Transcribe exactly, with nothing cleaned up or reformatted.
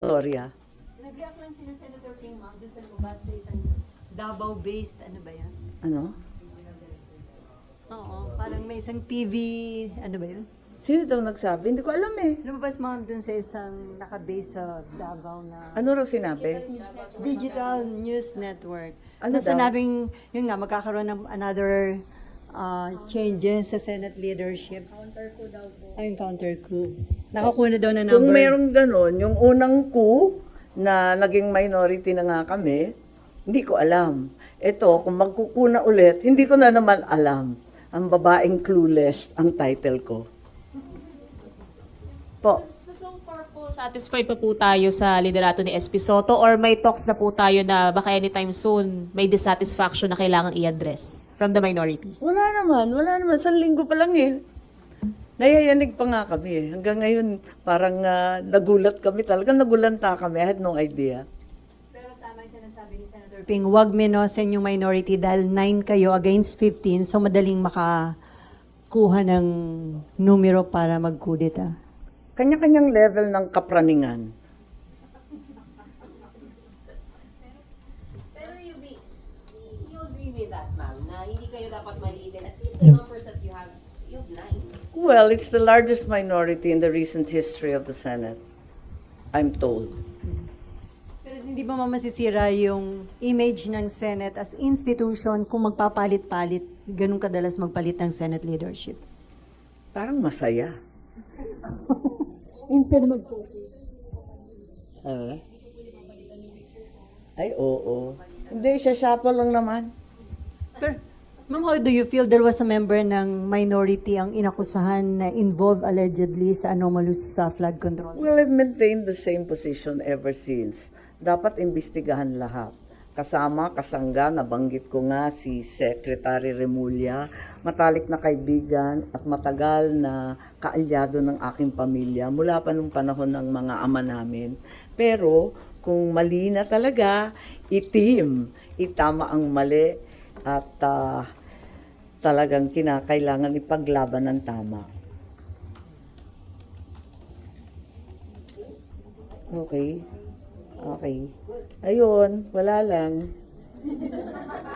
Gloria. Nag-react lang sila Senator Ping, ma'am, doon sa lumabas sa isang Davao-based, ano ba yan? Ano? Oo, parang may isang T V, ano ba yun? Sino daw nagsabi? Hindi ko alam eh. Lumabas, ma'am, doon sa isang naka-base sa Davao na Ano raw sinabi? Digital News Network. Ano na daw? sinabing, yun nga, magkakaroon ng another uh, changes sa Senate leadership. Counter ko daw po. Ayun, counter coup. Nakakuha na daw na number. Kung merong ganon, yung unang coup na naging minority na nga kami, hindi ko alam. Ito, kung magkukuna ulit, hindi ko na naman alam. Ang babaeng clueless ang title ko. Po. So, so far po, satisfied pa po tayo sa liderato ni S P Soto or may talks na po tayo na baka anytime soon may dissatisfaction na kailangang i-address from the minority? Wala naman, wala naman. Sa linggo pa lang eh. Nayayanig pa nga kami eh. Hanggang ngayon, parang ah, nagulat kami. Talagang nagulanta kami. I had no idea. Pero tama yung sinasabi ni Senator Ping, wag minosen yung minority dahil nine kayo against fifteen, so madaling makakuha ng numero para magkudeta. Kanya-kanyang level ng kapraningan. Pero you be, you agree with that, ma'am, na hindi kayo dapat maliitin. At least the numbers that you have, you have nine. Well, it's the largest minority in the recent history of the Senate. I'm told. Pero hindi ba masisira yung image ng Senate as institution kung magpapalit-palit, ganun kadalas magpalit ng Senate leadership? Parang masaya. Instead mag Ah. Ay, oo. Hindi, siya shuffle lang naman. Pero, ma'am, how do you feel there was a member ng minority ang inakusahan na involved allegedly sa anomalous sa flood control? Well, I've maintained the same position ever since. Dapat imbestigahan lahat. Kasama, kasangga, nabanggit ko nga si Secretary Remulla, matalik na kaibigan at matagal na kaalyado ng aking pamilya mula pa nung panahon ng mga ama namin. Pero kung mali na talaga, itim, itama ang mali at ah, talagang kinakailangan ipaglaban ng tama. Okay. Okay. Ayun, wala lang.